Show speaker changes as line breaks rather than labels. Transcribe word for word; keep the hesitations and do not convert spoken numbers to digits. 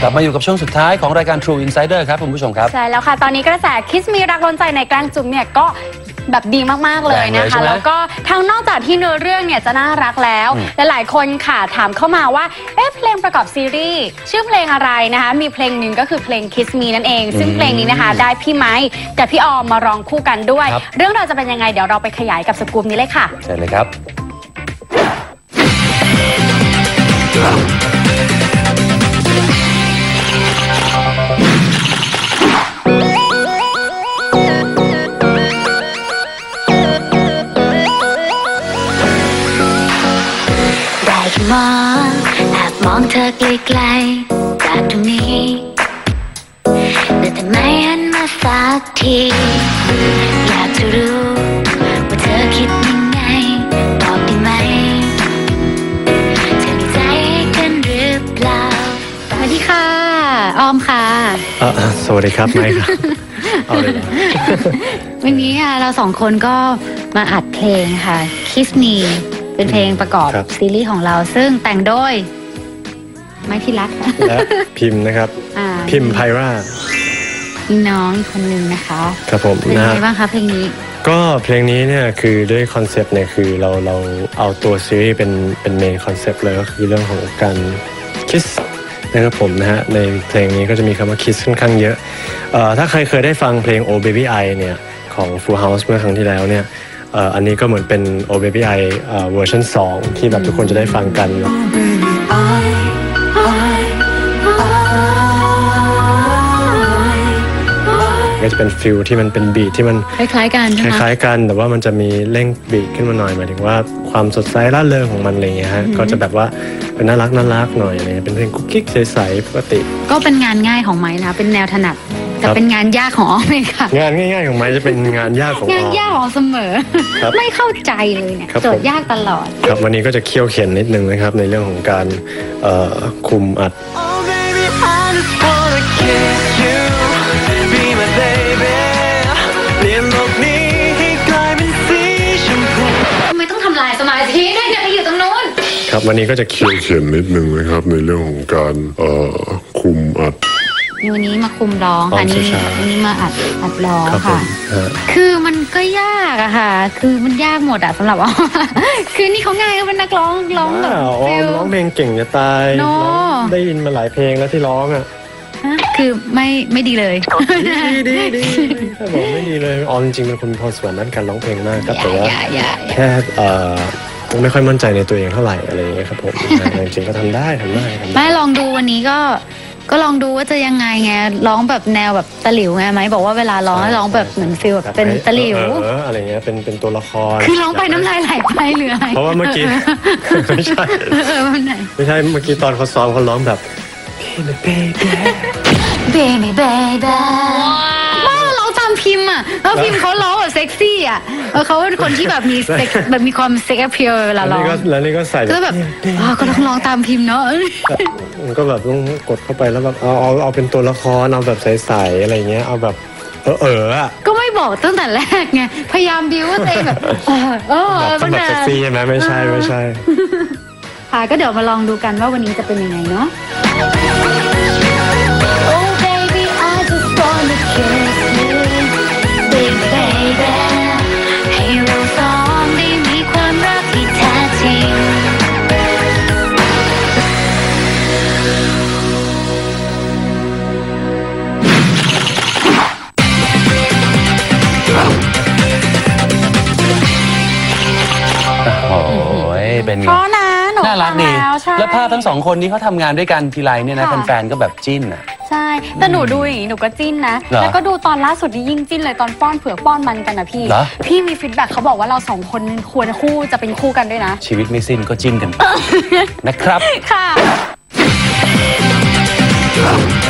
กลับมาอยู่กับช่วงสุดท้ายของรายการ True Insider ครับคุณผู้ชมครับ
ใช่แล้วค่ะตอนนี้กระแสคิสมีรักล้นใจในแกล้งจุ๊บเนี่ยก็แบบดีมากๆเลยนะคะแล้วก็ทั้งนอกจากที่เนื้อเรื่องเนี่ยจะน่ารักแล้วและหลายคนค่ะถามเข้ามาว่าเอ๊ะเพลงประกอบซีรีส์ชื่อเพลงอะไรนะคะมีเพลงหนึ่งก็คือเพลง Kiss Me นั่นเองซึ่งเพลงนี้นะคะได้พี่ไม้กับพี่ออมมาร้องคู่กันด้วยเรื่องราวจะเป็นยังไงเดี๋ยวเราไปขยายกับสกู๊ปนี้เลยค่ะ
ใช่เลยครับ
มองแอบมองเธอไกลๆจากตรงนี้แต่ทำไมหันมาสักทีอยากจะรู้ว่าเธอคิดยังไงตอบได้ไหมเธอมีใจให้กันหรือเปล่า
สวัสดีค่ะออมค่ะ
สวัสดีครับไมค์ครับเอาเลย
วันนี้ค่ะเราสองคนก็มาอัดเพลงค่ะ Kiss Meเป็นเพลงประกอบซีรีส์ของเราซึ่งแต่งโดยไม้ที่รัก
และพิมพ์นะครับพิมพ์ไพร่า
มีน้องอีกคนนึงนะคะ
ครับผม
เป็นไงบ้างคะเพลงนี้
ก็เพลงนี้เนี่ยคือด้วยคอนเซปต์เนี่ยคือเราเราเอาตัวซีรีส์เป็นเป็นเมนคอนเซปต์เลยก็คือเรื่องของการคิสนะครับผมนะฮะในเพลงนี้ก็จะมีคำว่าคิสค่อนข้างเยอะเอ่อถ้าใครเคยได้ฟังเพลง Oh Baby I เนี่ยของ Full House เมื่อครั้งที่แล้วเนี่ยอันนี้ก็เหมือนเป็น Oh Baby I เวอร์ชันสองที่แบบทุกคนจะได้ฟังกันก็จะเป็นฟิลที่มันเป็นบีทที่มัน
คล้ายๆกัน
คล้ายๆกันแต่ว่ามันจะมีเร่งบีทขึ้นมาหน่อยหมายถึงว่าความสดใสร่าเริงของมันอะไรเงี้ยฮะก็จะแบบว่าเป็นน่ารักน่ารักหน่อยเนี่ยเป็นเพลงกุ๊กกิ๊กใสๆปกติ
ก็เป็นงานง่ายของไม้นะเป็นแนวถนัดแต่เป็นงานยากของอ้อมเลยค่ะ
งานง่ายๆของไม้จะเป็นงานยากของ
งานยากของเสมอไม่เข้าใจเลยเนี่ยโจทย์ยากตลอด
ครับวันนี้ก็จะเคี่ยวเข็นนิดนึงนะครับในเรื่องของการคุมอัด
ทำไมต้องทำลายสมาธิด้วยเนี่ยอยู่ตรงนู้น
ครับวันนี้ก็จะเคี่ยว
เข็นนิดนึงนะครับในเรื่องของการคุมอัด
วันนี้มาคุมร้องอันนี้อันนี้มาอัดอัดร้องค่ะคือมันก็ยากอะค่ะคือมันยากหมดอะสำหรับอ้อคือนี่เขาง่ายก็เป็นนักร้องร้องแบบ
ฟิลร้องเพลงเก่งจะตายได้ยินมาหลายเพลงแล้วที่ร้องอะ
คือไม่ไม่ดีเลย
ดีดีดีถ้าบอกไม่ดีเลยออจริงๆเป็นคนพรสวรรค์ด้านการร้องเพลงมากก็แต่ว่าแค่ไม่ค่อยมั่นใจในตัวเองเท่าไหร่อะไรอย่างเงี้ยครับผมจริงๆก็ทำได้ทำได้
ไม่ลองดูวันนี้ก็ก็ลองดูว่าจะยังไงไงร้องแบบแนวแบบตะหลิวไงไหมบอกว่าเวลาร้องร้องแบบเหมือนฟีลแบบเป็นตะหลิว
อะไรเงี้ยเป็นเป็นตัวละคร
คือร้องไปน้ำลายไหลไปเหลือ
เพราะว่าเมื่อกี้ไม่ใช่ไม่ใช่เมื่อกี้ตอนเขาซ้อมเขาร้องแบบเบบี้
เบบี้เบบี้ว่าเราตามพิมพ์อ่ะแล้วพิมพ์เขาร้องแบบเซ็กซี่อ่ะเขาเป็นคนที่แบบมีเซ็กแบบมีความเซ็กแอพเพียลเวลาร้อง
แล้วนี่ก็ใส่
ก็แบบก็ต้องร้องตามพิมพ์เนาะ
มันก็แบบต้องกดเข้าไปแล้วแบบเอาเอาเอาเป็นตัวละครเอาแบบใสๆอะไรเงี้ยเอาแบบเออเอออ่ะ
ก็ไม่บอกตั้งแต่แรกไงพยายามบิวว่าเต้แบบเออเออ
ต้องแบบเซ็กซี่ใช่ไหมไม่ใช่ไม่ใช่
ค่ะก็เดี๋ยวมาลองดูกันว่าวันนี้จะเป็นยังไงเนาะ
เป็นไง
น่า
รักดีแล้วภาพทั้งสองคนนี้เขาทำงานด้วยกันทีไรเนี่ยนะแฟนๆก็แบบจิ้นอ่ะ
ใช่แต่หนูดูอย่างนี้หนูก็จิ้นนะแล้วก็ดูตอนล่าสุดนี่ยิ่งจิ้นเลยตอนป้อนเผือกป้อนมันกันนะพี่พี่มีฟีดแบ็กเขาบอกว่าเราสองคนควรคู่จะเป็นคู่กันด้วยนะ
ชีวิตไม่สิ้นก็จิ้นกันนะครับ
ค่ะ